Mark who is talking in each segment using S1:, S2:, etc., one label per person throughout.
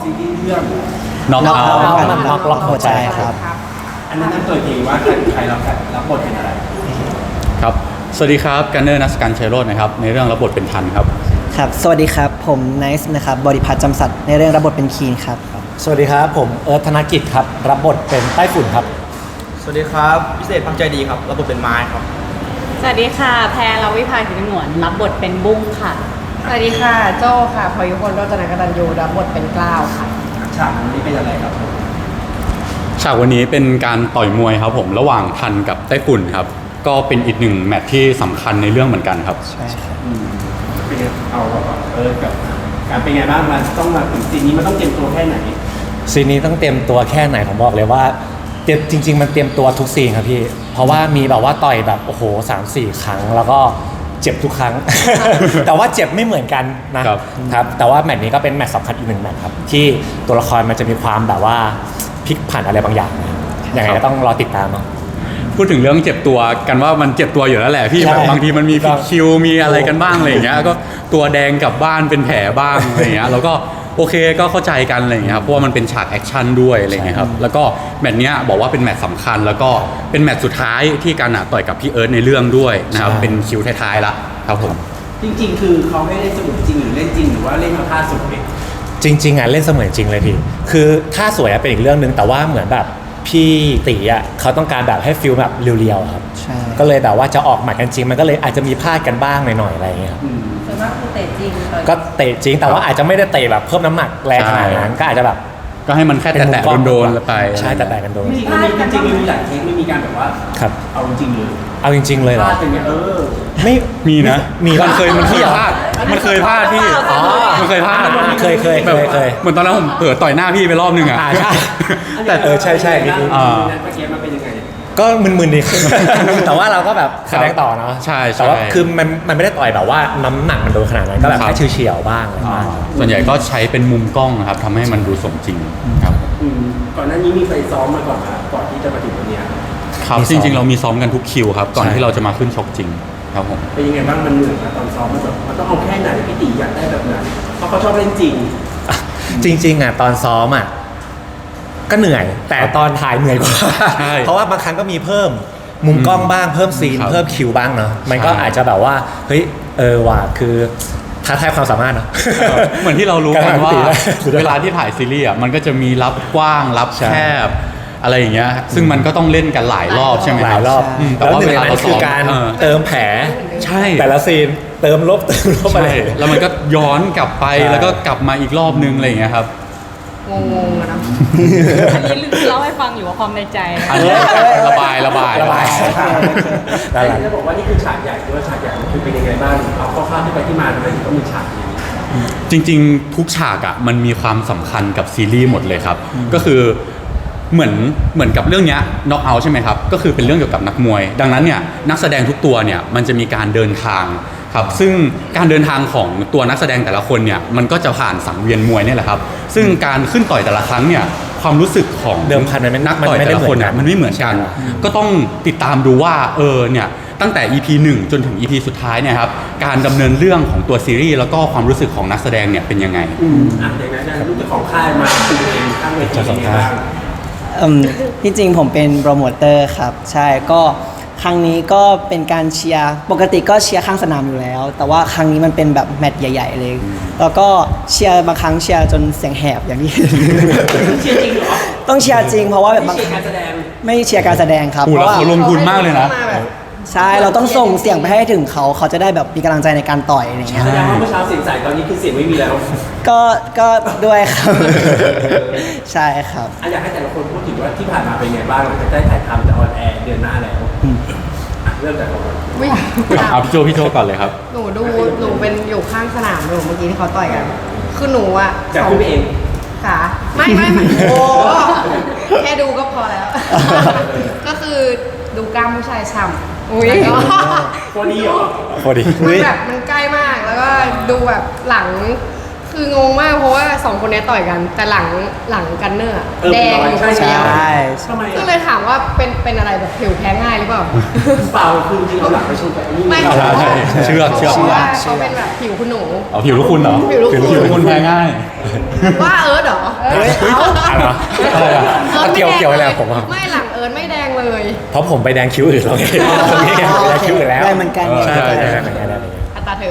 S1: ซีรีส์เรื่อง
S2: น็อกเอาท์
S3: น็อกล็อกหัวใจครับ
S1: อันนั้นเปิดเองว่าใครรับบทเป็นอะไร
S2: ครับสวัสดีครับกันเนอร์นัสกันชัยโรจน์นะครับในเรื่องรับบทเป็นทันครับ
S3: ครับสวัสดีครับผมไนซ์นะครับบริพัตรจำสัตย์ในเรื่องรับบทเป็นคีนครับ
S4: สวัสดีครับผมเอิร์ธธนกิจครับรับบทเป็นไต้ฝุ่นครับ
S5: สวัสดีครับพิเศษพังใจดีครับรับบทเป็นไม้ครับ
S6: สวัสดีค่ะแพรลวิภาสิงห์หนวนรับบทเป็นบุ้งค่ะ
S7: สวัสดีค่ะโจ้ค่ะพยุคนโรจนกตัญญูรับบทเป็นกล้าวค่ะ
S1: ฉากนี้เป็นอะไรครับ
S2: ฉากวันนี้เป็นการต่อยมวยครับผมระหว่างทันกับไต้ฝุ่นครับก็เป็นอีกหนึ่งแมตช์ที่สำคัญในเรื่องเหมือนกันครับ
S3: ใช่ครับ
S1: เป็นเอากับการเป็นไงบ้างมันต้องมาถึงซีนนี้มันต้องเตรียมตัวแค่ไหน
S4: ซีนนี้ต้องเตรียมตัวแค่ไหนผมบอกเลยว่าจริงๆมันเตรียมตัวทุกซีนครับพี่เพราะว่ามีแบบว่าต่อยแบบโอ้โห3-4 ครั้งแล้วก็เจ็บทุกครั้ง แต่ว่าเจ็บไม่เหมือนกันนะครับแต่ว่าแมตช์นี้ก็เป็นแมตช์สำคัญอีกหนึ่งแมตช์ครับที่ตัวละครมันจะมีความแบบว่าพลิกผันอะไรบางอย่างยังไงก็ต้องรอติดตามเนาะ
S2: พูดถึงเรื่องเจ็บตัวกันว่ามันเจ็บตัวอยู่แล้วแหละพี่แบบบางทีมันมีผิดคิวมีอะไรกันบ้างอะไรอย่างเงี้ยก็ตัวแดงกลับบ้านเป็นแผลบ้างอะไรอย่างเงี้ยแล้วก็โอเคก็เข้าใจกันอะไรอย่างเงี้ยครับเพราะว่ามันเป็นฉากแอคชั่นด้วยอะไรอย่างเงี้ยครับแล้วก็แมตช์เนี้ยบอกว่าเป็นแมตช์สำคัญแล้วก็เป็นแมตช์สุดท้ายที่การต่อยกับพี่เอิร์ธในเรื่องด้วยนะครับเป็นคิวท้ายๆละครับผม
S1: จริงๆคือเขาให้เล่นเสมือนจริงหรือเล่นจริงหรือว่าเล่นเอาท่าสวย
S4: จริงๆเล่นเสมือนจริงเลยพี่คือท่าสวยเป็นอีกเรื่องนึงแต่ว่าเหมือนแบบพี่ตีเขาต้องการแบบให้ฟิลแบบเรียวๆครับก็เลยแบบว่าจะออกหมัดกันจริงมันก็เลยอาจจะมีพลาดกันบ้างหน่อยๆอะไรอย่างเงี้ยครับ
S7: ส่วนมากคือเตะจริง
S4: ก็เตะจริงแต่ว่าอาจจะไม่ได้เตะแบบเพิ่มน้ำหนักแรงขนาดนั้นก็อาจจะแบบ
S2: ก็ให้มันแค่แตะๆโดนๆไป
S4: ใช่แตะๆกันโดน
S1: จริงๆมีหลายเทคไม่มีการแบบว่าเอาจริงเลย
S4: เอาจริงๆเลยเหรอ
S1: พลาดอย่างเงี้ย
S4: ไม่
S2: มีนะ
S4: มันเคยพลาด
S2: มันเคยพลาดพี่มันเคยพลาด
S4: เคย
S2: เหมือนตอนนั้นผมเผลอต่อยหน้าพี่ไปรอบนึงอ่ะ
S4: ใช่แต่ใช่
S1: เมื่อกี้มันเป็นยังไง
S4: ก็มึนๆดีแต่ว่าเราก็แบบแสดงต่อเนาะ
S2: ใช่
S4: แต่ว่าคือมันไม่ได้ต่อยแบบว่าน้ำหนักมันโดนขนาดนั้นก็แบบแค่เฉียวๆบ้างอะไรบ้าง
S2: ส่วนใหญ่ก็ใช้เป็นมุมกล้องนะครับทำให้มันดูสมจริงครับ
S1: ก่อนหน้านี้มีไปซ้อมมาก่อนนะก่อนที่จะมาถึงวันนี้
S2: ครับจริงๆเรามีซ้อมกันทุกคิวครับก่อนที่เราจะมาขึ้นชกจริงครับผม
S1: เป็นยังไงบ้างมันเหนื่อยนะตอนซ้อมมันต้องเอาแค่ไหนพี่ตีอยากได้แบบไหนเพราะเขาชอบเล่นจริง
S4: จริงตอนซ้อมก็เหนื่อยแต่ตอนถ่ายเหนื่อยกว่าเพราะว่าบางครั้งก็มีเพิ่มมุมกล้องบ้างเพิ่มซีนเพิ่มคิวบ้างเนาะมันก็อาจจะแบบว่าเฮ้ยว่ะคือท้าทายความสามารถเนาะ
S2: เหมือนที่เรารู้กันว่าเวลาที่ถ่ายซีรีส์มันก็จะมีรับกว้างรับแคบอะไรอย่างเงี้ยซึ่งมันก็ต้องเล่นกันหลายรอบใช่ไหม
S4: หลายรอบ
S2: แต่ว่าเวลาเรา
S4: คือการเติมแผล
S2: ใช่
S4: แต่ละซีนเติมลบ
S2: อะไรแล้วมันก็ย้อนกลับไปแล้วก็กลับมาอีกรอบนึงอะไรอย่างเงี้ยครับ
S7: งงๆนะ
S6: อันนี้เล่าให้ฟังอยู่ว่าความในใจ
S2: อันนี้ระบาย
S1: แต่จะบอกว่านี่คือฉากใหญ่ด้วยฉากใหญ่มันคือเป็นยังไงบ้างเอาข้อที่ไปที่มาทำไมถึงต้องมีฉากนี้
S2: จริงๆทุกฉากมันมีความสำคัญกับซีรีส์หมดเลยครับก็คือเหมือนกับเรื่องนี้น็อกเอาท์ใช่ไหมครับก็คือเป็นเรื่องเกี่ยวกับนักมวยดังนั้นเนี่ยนักแสดงทุกตัวเนี่ยมันจะมีการเดินทางครับซึ่งการเดินทางของตัวนักแสดงแต่ละคนเนี่ยมันก็จะผ่านสังเวียนมวยเนี่ยแหละครับซึ่งการขึ้นต่อยแต่ละครั้งเนี่ยความรู้สึกของ
S4: เดิมพันมัน
S2: นักต่อยแต่ละคนเนี่ยมันไม่เหมือนกันก็ต้องติดตามดูว่าเนี่ยตั้งแต่ EP 1 จนถึง EP สุดท้ายเนี่ยครับการดำเนินเรื่องของตัวซีรีส์แล้วก็ความรู้สึกของนักแสดงเนี่ยเป็นยังไง
S1: อย่างนั้นลูกเจ้าของค่ายมาคุยเองข้างเวทีเป็นยังไงบ้าง
S3: ที่จริงผมเป็นโปรโมเตอร์ครับใช่ก็ครั้งนี้ก็เป็นการเชียร์ปกติก็เชียร์ข้างสนามอยู่แล้วแต่ว่าครั้งนี้มันเป็นแบบแมตช์ใหญ่ๆเลยแล้วก็เชียร์บางครั้งเชียร์จนเสียงแหบอย่างที่
S1: เชียร์จริงเหรอ
S3: ต้องเชียร์จริงเพราะว่าแบบบางไม่เชียร์การแสดงครับ
S2: เพราะว่าเขาลงทุนมากเลยนะ
S3: ใช่เราต้องส่งเสียงไปให้ถึงเขาจะได้แบบมีกำลังใจในการต่อยอะไรเงี้ย
S1: แสดงว่าเมื่อเช้าเสียงใสตอนนี้คือเสียงไม่มีแล้ว
S3: ก็ด้วยครับใช่ครับ
S1: อยากให้แต่ละคนพูดถึงว่าที่ผ่านมาเป็นไงบ้างจะได้ถ่ายทำจะออนแอร์เดือนหน้าแล้วเริ่มจาก
S2: เอาพี่โจก่อนเลยครับ
S7: หนูเป็นอยู่ข้างสนามอยู่เมื่อกี้ที่เขาต่อยกันคือหนู
S1: จะพูดเอง
S7: ค่ะไม่โอ้แค่ดูก็พอแล้วก็คือดูกล้ามผู้ชายฉ่ำแล้วก็
S1: โคดีเหรอ
S4: โคดี
S7: มันแบบมันใกล้มากแล้วก็ดูแบบหลังคืองงมากเพราะว่าสองคนนี้ต่อยกัน แต่หลังกันเนอร์อะ
S1: เออ
S7: แดง
S1: ใช่
S3: ใช่
S1: ทำไม
S7: ก็
S1: อ่ะ
S7: เลยถามว่าเป็นอะไรแบบผิวแพ้ง่ายหรือเปล่า
S1: เปล่าคือจริงๆเอาหลังไปชนกับไอ้นี่
S7: ไม่
S2: ใช่ใช่เชือก
S7: เพราะว่าเขาเป็นแบบผิวคุณหนู
S2: เอาผิวลูกคุณเหรอ
S7: ผิวลูกคุณ
S2: ผิวลูกคุณแพ้ง่าย
S7: ว่าเอิร์ธเหรอ
S4: อะไรวะอะไรอะ
S7: อิร์ธ
S4: เกี่ยวอะไรกับผมอะ
S7: ไม่หลังเอิร์ธไม่แดงเลย
S4: เพราะผมไปแดงคิ้วอื่นแล้วไงตรงนี้ไงไปแดงคิ้วอื่นแล้ว
S3: ได้เหมือนกัน
S4: ใช่
S2: ใช่
S4: ใช่
S2: ใช่
S4: ใช่เหมือนกันได้เหมือนกัน
S7: อัตราเธอ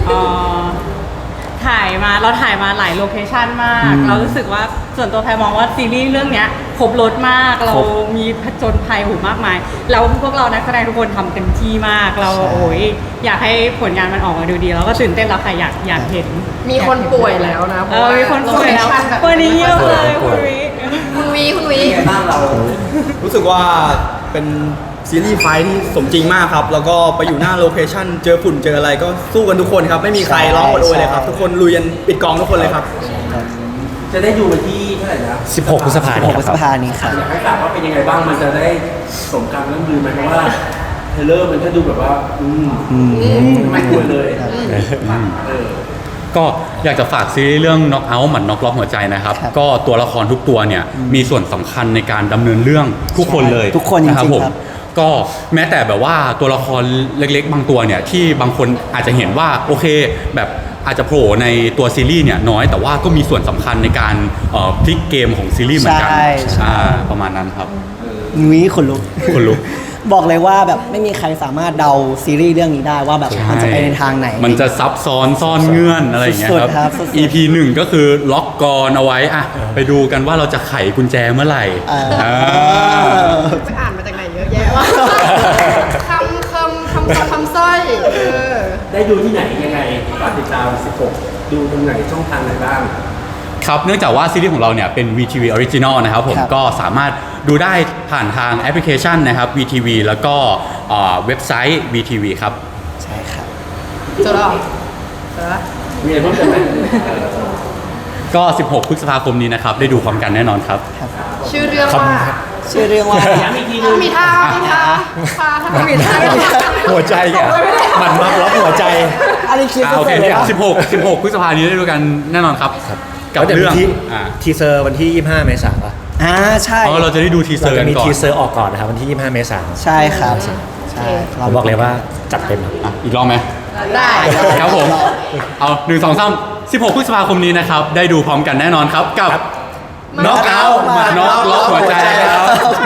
S6: เราถ่ายมาหลายโลเคชันมาก เรารู้สึกว่าส่วนตัวแพรมองว่าซีรีส์เรื่องเนี้ยครบรถมาก เรามีผจญภัยหูมากมาย แล้วพวกเรานักแสดงทุกคนทำเต็มที่มาก เราโอ้ยอยากให้ผลงานมันออกมาดูดีแล้วก็ตื่นเต้นแล้วค่ะอยากเห็น
S7: มีคนป่วยแล้วนะเพราะว่า
S6: มีคนป่วยแล้ว
S7: โเคชั่แบบ
S6: วันนี้เยอะเลยคุณวิ
S7: คุณวี
S1: เป็นไงบ้างเรา
S5: รู้สึกว่าเป็นซีรีส์ไฟท์ที่สมจริงมากครับ แล้วก็ไปอยู่หน้าโลเคชั่นเจอฝุ่นเจออะไรก็สู้กันทุกคนครับ ไม่มีใครร้องโอดโอยเลยครับ ทุกคนลุยกันปิดกองทุกคนเลยครับ
S1: จะได้ดูวันที่เท่าไหร่นะ
S4: 16 พฤษภาคม
S3: 16
S4: นี้
S3: พฤษ
S4: ครับ
S3: ภานี้ครับ
S1: อยากให้ฝากว่าเป็นยังไงบ้างมันจะได้สมการเรื่องลือไหมเพราะว่าเทรลเลอร์มันก็ดูแบบว่าไม่ควรเลยเออ
S2: ก็อยากจะฝากซีรีส์เรื่อง Knock Out หมัดน็อกล็อกหัวใจนะครับ
S3: ครับ
S2: ก็ตัวละครทุกตัวเนี่ยมีส่วนสำคัญในการดำเนินเรื่องทุกคนเลย
S3: ทุกคนจริงๆ
S2: ะผม
S3: ครับ
S2: ก็แม้แต่แบบว่าตัวละครเล็กๆ บางตัวเนี่ยที่บางคนอาจจะเห็นว่าโอเคแบบอาจจะโผล่ในตัวซีรีส์เนี่ยน้อยแต่ว่าก็มีส่วนสำคัญในการพลิกเกมของซีรีส์เหมือนกัน
S3: ใช่ใช่
S2: ประมาณนั้นครับ
S3: นุ้ยขนลุก
S2: คนลุก
S3: บอกเลยว่าแบบไม่มีใครสามารถเดาซีรีส์เรื่องนี้ได้ว่าแบบมันจะไปในทางไหน
S2: มันจะซับซ้อนซ่อนเงื่อนอะไรอย่างเงี้ย
S3: สุ
S2: ค
S3: ด
S2: รับ
S3: ๆครับสุดๆ
S2: EP 1 ก็คือล็อกกรอนเอาไว้อะไปดูกันว่าเราจะไขกุญแจเมื่อไหร่
S3: อ่า
S7: ไปอ่านมาจากไหนเยอะแยะวะคำสร้อย
S1: ได้ดูที่ไหนยังไงฝากติดตาม 16 ดูตรงไหนช่องทางไหนบ้าง
S2: ครับเนื่องจากว่าซีรีส์ของเราเนี่ยเป็น VTV Original นะครับผม
S3: ครับ
S2: ก็สามารถดูได้ผ่านทางแอปพลิเคชันนะครับ VTV แล้วก็เว็บไซต์ VTV ครับ
S3: ใช่ครับ
S7: เจอแล้วเจอแล้ว
S1: มีอะไรเพิ่มเติมไหม
S2: ก็ 16 พฤษภาคมนี้นะครับ ได้ดูพร้อมกันแน่นอนครับ
S7: ชื่อเรื่องว่า
S3: ชื่อเรื่องว่า
S1: ย้ำอีกทีนึง
S7: มีท่ามีท่า
S4: หัวใจแกมันมักล็อกหัวใจ
S3: อันนี้คิด
S2: โอเค
S3: เลยว่า
S2: 16 พฤษภาคมนี้ได้ดูกันแน่นอนครับ กับ
S4: แล้วดี๋ยว
S2: เรื่อง
S4: มี
S2: อ่า
S4: ทีเซอร์วันที่ 25 เมษายนป่ะ
S3: ใช่
S2: อ๋อเราจะได้ดูทีเซอ
S4: เรา
S2: ร์
S4: จะ
S2: กัน
S4: มี
S2: ก่อน
S4: ทีเซอร์ออกก่อนนะครับวันที่ 25 เมษายน
S3: ใช่ครับใช่
S4: ผมบอกเลยว่าจัดเต็มครับ
S2: อ่ะอีกรอบไหม
S7: ได้
S2: ครับผม เอา1 2 3 16 พฤษภาคมนี้นะครับ ได้ดูพร้อมกันแน่นอนครับ กับ Knock Out หมัดน็อกล็อกหัวใจครับ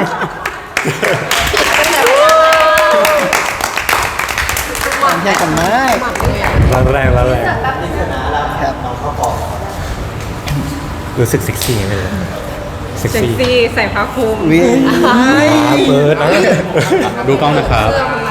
S3: แยกกันไหม
S4: แรงแล้วแรง
S3: ครับ
S4: รู้สึกเซ็กซี่ไหมเลยเซ็ก
S6: เซ็ก
S4: ซี่
S6: ซี่ใส่ผ้าคลุม
S3: วิ
S4: เปิดนะ
S2: ดูกล้องนะครับ
S7: เสื้อมัน